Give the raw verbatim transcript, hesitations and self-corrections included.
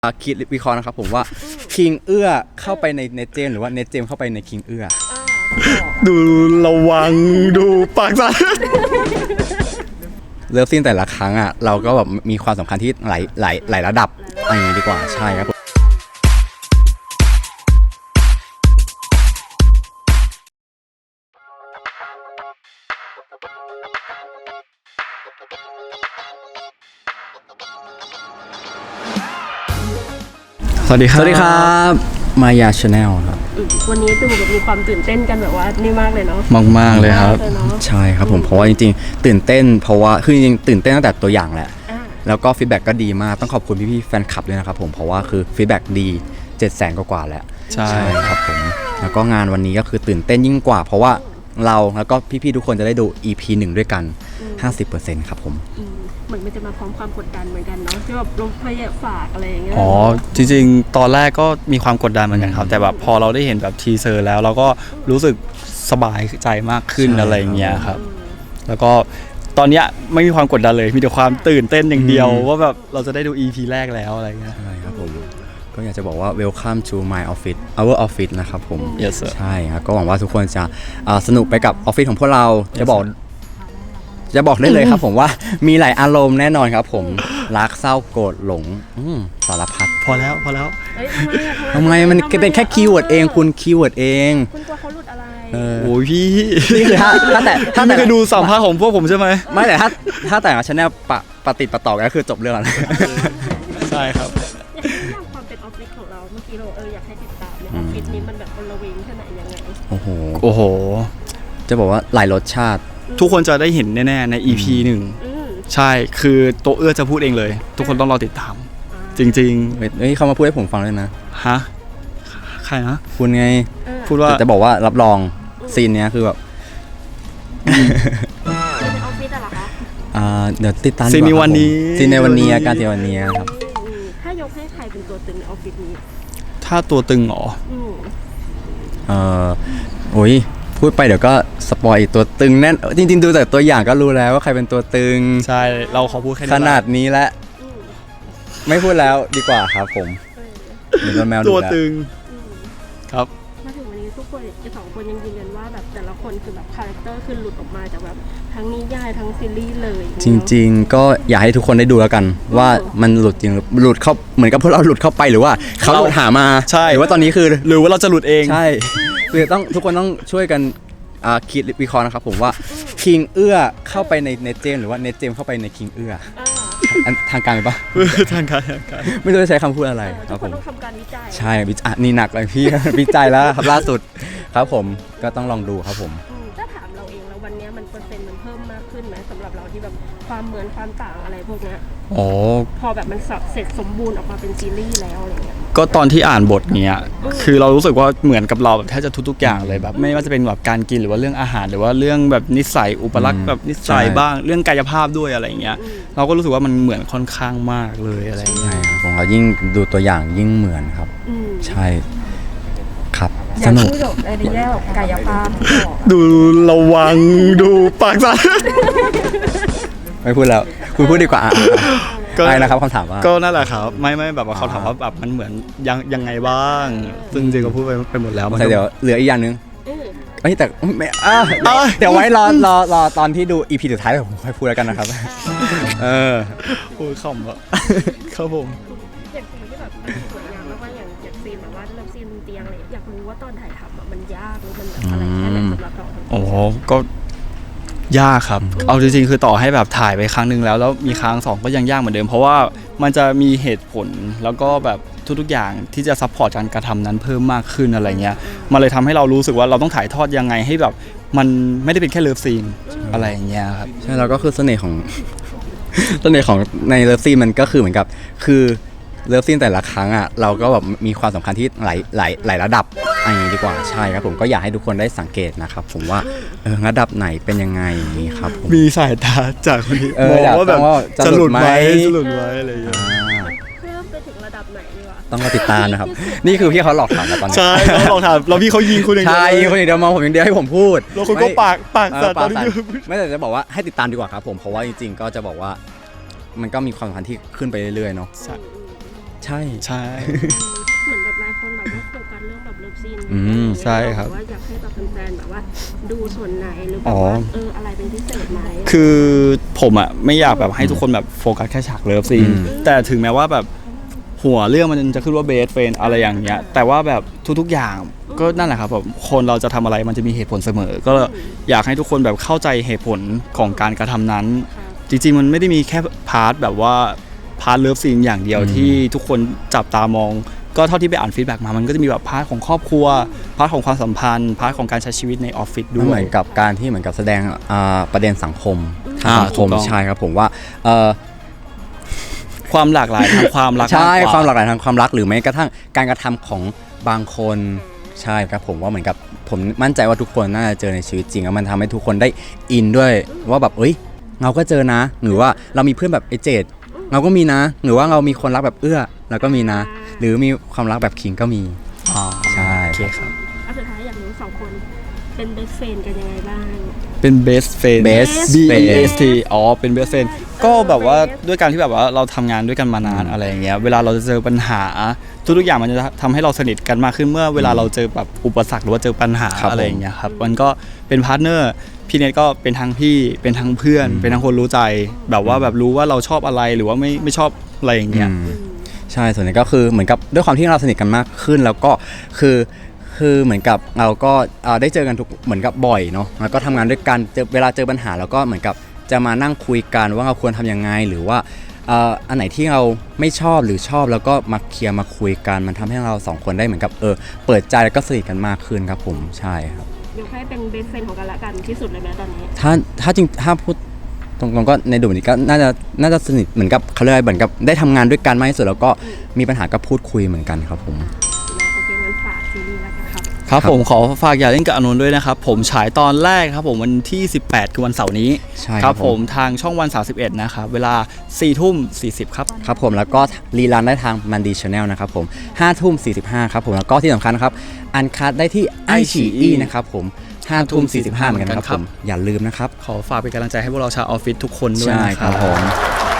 คิดวิเคราะห์นะครับผมว่าคิงเอื้อเข้าไปในเนเจมหรือว่าเนเจมเข้าไปในคิงเอื้อดูระวังดูปากสั่นเลิฟซีนแต่ละครั้งอ่ะเราก็แบบมีความสำคัญที่หลายหลายหลายระดับอย่างนี้ดีกว่าใช่ครับสวัสดีครับสวัสดีครับมายาชาแนลครับวันนี้ดูแบบมีความตื่นเต้นกันแบบว่านี่มากเลยเนาะมากมากเลยครับใช่ครับผมเพราะว่าจริงๆตื่นเต้นเพราะว่าคือจริงๆตื่นเต้นตั้งแต่ตัวอย่างแหละแล้วก็ฟีดแบ็กก็ดีมากต้องขอบคุณพี่ๆแฟนคลับด้วยนะครับผมเพราะว่าคือฟีดแบ็กดีเจ็ดแสนกว่าๆแล้วใช่ครับผมแล้วก็งานวันนี้ก็คือตื่นเต้นยิ่งกว่าเพราะว่าเราแล้วก็พี่ๆทุกคนจะได้ดู อี พี หนึ่งด้วยกัน ห้าสิบเปอร์เซ็นต์ ครับผมเหมือนมันจะมาพร้อมความกดดันเหมือนกันเนาะที่แบบลงพยาฝากอะไรอย่างเงี้ยอ๋อจริงๆตอนแรกก็มีความกดดันเหมือนกันครับแต่แบบพอเราได้เห็นแบบทีเซอร์แล้วเราก็รู้สึกสบายใจมากขึ้นอะไรอย่างเงี้ยครับแล้วก็ตอนเนี้ยไม่มีความกดดันเลยมีแต่ความตื่นเต้นอย่างเดียวว่าแบบเราจะได้ดู อี พี แรกแล้วอะไรเงี้ยใช่ครับผมก็อยากจะบอกว่า welcome to my office our office นะครับผม yes sir ใช่ครับก็หวังว่าทุกคนจะสนุกไปกับออฟฟิศของพวกเราจะบอกจะบอกได้เลยครับผมว่ามีหลายอารมณ์แน่นอนครับผมรักเศร้าโกรธหลงสารพัดพอแล้วพอแล้วทำไมมันเป็นแค่คีย์เวิร์ดเองคุณคีย์เวิร์ดเองคุณกลัวเขาหลุดอะไรโอ้ยพี่นี่คือถ้าถ้าแต่ถ้าไม่เคยดูสัมภาษณ์ของพวกผมใช่ไหมไม่แต่ถ้าถ้าแต่ชาแนลปะปะติดปะต่อกันก็คือจบเรื่องแล้วใช่ครับอย่างความเป็นออฟฟิศของเราเมื่อกี้เราเอออยากให้ติดตามเนี่ยออฟฟิศนี้มันแบบบริเวณแค่ไหนยังไงโอ้โหโอ้โหจะบอกว่าหลายรสชาติทุกคนจะได้เห็นแน่ๆใน อี พี หนึ่งใช่คือโตเอื้อจะพูดเองเลยทุกคนต้องรอติดตามจริงๆเฮ้ยเขามาพูดให้ผมฟังเลยนะฮะใครนะคุณไงพูดว่าจะบอกว่ารับรองซีนเนี้ยคือแบบในออฟฟิศอะไรคะอ่าเดี๋ยวติดตามซีนในวันนี้ซีนในวันนี้การซีนวันนี้ครับถ้ายกให้ใครเป็นตัวตึงในออฟฟิศนี้ถ้าตัวตึงหรอเออโอ้ยพูดไปเดี๋ยวก็สปอยตัวตึงแน่นจริงๆดูแต่ตัวอย่างก็รู้แล้วว่าใครเป็นตัวตึงใช่เราขอพูดแค่นี้ขนาดนี้แล้วไม่พูดแล้วดีกว่าครับผมมีตัวแมวตัวตึงครับมาถึงวันนี้ทุกคนสองคนยังยืนยันว่าแบบแต่ละคนคือแบบคาแรคเตอร์คือหลุดออกมาจากแบบทั้งนิยายทั้งซีรีส์เลยจริงๆก็อยากให้ทุกคนได้ดูแล้วกันว่ามันหลุดจริงหลุดเข้าเหมือนกับพวกเราหลุดเข้าไปหรือว่าเขาหลุดหามาใช่หรือว่าตอนนี้คือหรือว่าเราจะหลุดเองใช่คือต้องทุกคนต้องช่วยกันคิดวิเคราะห์นะครับผมว่าคิงเอื้อเข้าไปในเนเจมหรือว่าเนเจมเข้าไปในคิงเอื้อทางการไหมปะทางการทางการไม่รู้จะใช้คำพูดอะไรครับผมต้องทำการวิจัยใช่วิจัยนี่หนักเลยพี่วิจัยแล้วครับล่าสุดครับผมก็ต้องลองดูครับผมถ้าถามเราเองแล้ววันนี้มันเปอร์เซ็นต์มันเพิ่มมากขึ้นไหมสำหรับเราที่แบบความเหมือนความต่างอะไรพวกนี้อ๋อพอแบบมันเสร็จสมบูรณ์ออกมาเป็นซีรีส์แล้วอะไรเงี้ยก็ตอนที่อ่านบทเนี้ยคือเรารู้สึกว่าเหมือนกับเราแบบแทบจะทุกๆอย่างเลยแบบไม่ว่าจะเป็นแบบการกินหรือว่าเรื่องอาหารหรือว่าเรื่องแบบนิสัยอุปลักษณ์แบบนิสัยบ้างเรื่องกายภาพด้วยอะไรเงี้ยเราก็รู้สึกว่ามันเหมือนค่อนข้างมากเลยอะไรเงี้ยของเรายิ่งดูตัวอย่างยิ่งเหมือนครับใช่ครับสนุกในแง่กายภาพดูระวังดูปากสั่นไม่พูดแล้วคุณพูดดีกว่าก็ได้นะครับคำถามว่าก็นั่นแหละครับไม่ไม่แบบว่าเขาถามว่าแบบมันเหมือนยังยังไงบ้างซึ่งจริงก็พูดไปไปหมดแล้วแต่เดี๋ยวเหลืออีกอย่างนึงเอ้แต่ไม่อ่ะเดี๋ยวไว้รอรอรอตอนที่ดู อี พี สุดท้ายผมค่อยพูดแล้วกันนะครับเออโอ้ยขำอ่ะครับผมอย่างซีนที่แบบสวยงามมากๆอย่างอย่างซีนแบบว่าเริ่มซีนเตียงอะไรอยากรู้ว่าตอนถ่ายทำมันยากหรือมันแบบอะไรแค่ไหนสำหรับเราโอ้ก็ยากครับเอาจริงๆคือต่อให้แบบถ่ายไปครั้งนึงแล้วแล้วมีครั้งสองก็ยังยากเหมือนเดิมเพราะว่ามันจะมีเหตุผลแล้วก็แบบทุกๆอย่างที่จะซัพพอร์ตการกระทำนั้นเพิ่มมากขึ้นอะไรเงี้ยมันเลยทำให้เรารู้สึกว่าเราต้องถ่ายทอดยังไงให้แบบมันไม่ได้เป็นแค่เลิฟซีนอะไรอย่างเงี้ยครับใช่แล้วก็คือเสน่ห์ของเสน่ห์ของในเลิฟซีนมันก็คือเหมือนกับคือเลิฟซีนแต่ละครั้งอ่ะเราก็แบบมีความสำคัญที่หลายหลายหลายระดับอย่างนี้ดีกว่าใช่ครับผมก็อยากให้ทุกคนได้สังเกตนะครับผมว่าเออระดับไหนเป็นยังไงนี่ครับผมมีสายตาจากคนนี้มองว่าแบบจะหลุดไหมจะหลุดไหมอะไรอย่างเงี้ยเพิ่มไปถึงระดับไหนดีวะต้องมาติดตามนะครับนี่คือพี่เขาหลอกถามเราตอนนี้ใช่เขาหลอกถามเราพี่เขายิงคุณอย่างเดียวใช่ยิงคนอย่างเดียวมองผมอย่างเดียวให้ผมพูดแล้วคุณก็ปากปากสั่นตอนนี้ไม่แต่จะบอกว่าให้ติดตามดีกว่าครับผมเพราะว่าจริงๆก็จะบอกว่ามันก็มีความสัมพันธ์ที่ขึ้นไปเรื่อยๆเนาะใช่ใช่เหมือนแบบหลายคนแบบว่าโฟกัสเรื่องแบบเลิฟซีนอืมใช่ครับว่าอยากให้แบบแฟนๆแบบว่าดูส่วนไหนหรือแบอ๋บอว่าเอออะไรเป็นพิเศษไหมคือผมอ่ะไม่อยากแบบให้ทุกคนแบบโฟกัสแค่ฉากเลิฟซีนอืมแต่ถึงแม้ว่าแบบหัวเรื่องมันจะขึ้นว่าเบสเฟนอะไรอย่างเงี้ยแต่ว่าแบบทุกๆอย่างก็นั่นแหละครับแบบคนเราจะทำอะไรมันจะมีเหตุผลเสมอ ก็อยากให้ทุกคนแบบเข้าใจเหตุผลของการกระทำนั้น จริงๆมันไม่ได้มีแค่พาร์ทแบบว่าพาร์ทเลิฟซีนอย่างเดียวอืมที่ทุกคนจับตามอง ก็เท่าที่ไปอ่านฟีดแบ็กมามันก็จะมีแบบพาร์ทของครอบครัวพาร์ทของความสัมพันธ์พาร์ทของการใช้ชีวิตในออฟฟิศด้เหวมืยอนกับการที่เหมือนกับแสดงอ่าประเด็นสังคมทางอ่าสังคมถูกต้องใช่ครับผมว่าเอ่อความหลากหลายทางความรักใช่กกความหลากหลายทางความรักหรือแม้กระทั่งการกระทำของบางคนใช่ครับผมว่าเหมือนกับผมมั่นใจว่าทุกคนน่าจะเจอในชีวิตจริงแล้วมันทำให้ทุกคนได้อินด้วยว่าแบบเอ้ยเราก็เจอนะ หรือว่าเรามีเพื่อนแบบไอเจดเราก็มีนะ หรือว่าเรามีคนรักแบบเอื้อเราก็มีนะ หรือมีความรักแบบคิงก็มีอ๋อใช่โอเคครับเอาสุดท้ายอยากรู้สองคนเป็นเบสเฟนกันยังไงบ้างเป็น best friend Best B E friend S T อ๋อเป็น best friend ก็แบบว่าด้วยการที่แบบว่าเราทำงานด้วยกันมานานอะไรอย่างเงี้ยเวลาเราจะเจอปัญหาทุกๆอย่างมันจะทำให้เราสนิทกันมากขึ้นเมื่อเวลาเราเจอแบบอุปสรรคหรือว่าเจอปัญหาครับผมอะไรอย่างเงี้ยครับมันก็เป็นพาร์ทเนอร์พี่เนทก็เป็นทั้งพี่เป็นทั้งเพื่อนอืมเป็นทั้งคนรู้ใจ แบบว่าแบบรู้ว่าเราชอบอะไรหรือว่าไม่ไม่ชอบอะไรอย่างเงี้ยอืมใช่ส่วนนี้ก็คือเหมือนกับด้วยความที่เราสนิทกันมากขึ้น แล้วก็คือคือเหมือนกับเราก็เอ่อได้เจอกันทุกเหมือนกับบ่อยเนาะแล้วก็ทำงานด้วยกันเจอเวลาเจอปัญหาแล้วก็เหมือนกับจะมานั่งคุยกันว่าเราควรทำยังไงหรือว่าเอ่ออันไหนที่เราไม่ชอบหรือชอบแล้วก็มาเคลียร์มาคุยกันมันทำให้เราสองคนได้เหมือนกับเออเปิดใจแล้วก็สนิทกันมากขึ้นครับผมใช่ครับยกให้เป็นเบสเฟนของกันและกันที่สุดเลยไหมตอนนี้ถ้าถ้าจริงถ้าพูดตรงๆก็ในดูนี้ก็น่าจะน่าจะสนิทเหมือนกับเขาเรียกอะไรเหมือนกับได้ทำงานด้วยกันมากที่สุดแล้วก็มีปัญหาก็พูดคุยเหมือนกันครับผมนะโอเคงั้นฝากซีรีส์แล้วกันครับครับครับผมขอฝากอย่าเล่นกับอานนท์ด้วยนะครับผมฉายตอนแรกครับผมวันที่สิบแปดคือวันเสาร์นี้ใช่ครับผมทางช่องวันสามสิบเอ็ดนะครับเวลาสี่ทุ่มสี่สิบครับครับผมแล้วก็รีลันได้ทางมันดีชาแนลนะครับผมห้าทุ่มสี่สิบห้าครับผมแล้วก็ที่สำคัญนะครับอันคัดได้ที่ไอชีอีนะครับผมห้าทุ่มสี่สิบห้าเหมือนกันครับผมอย่าลืมนะครับขอฝากเป็นกำลังใจให้พวกเราชาวออฟฟิศทุกคนด้วยใช่นะคครัรับบ ผม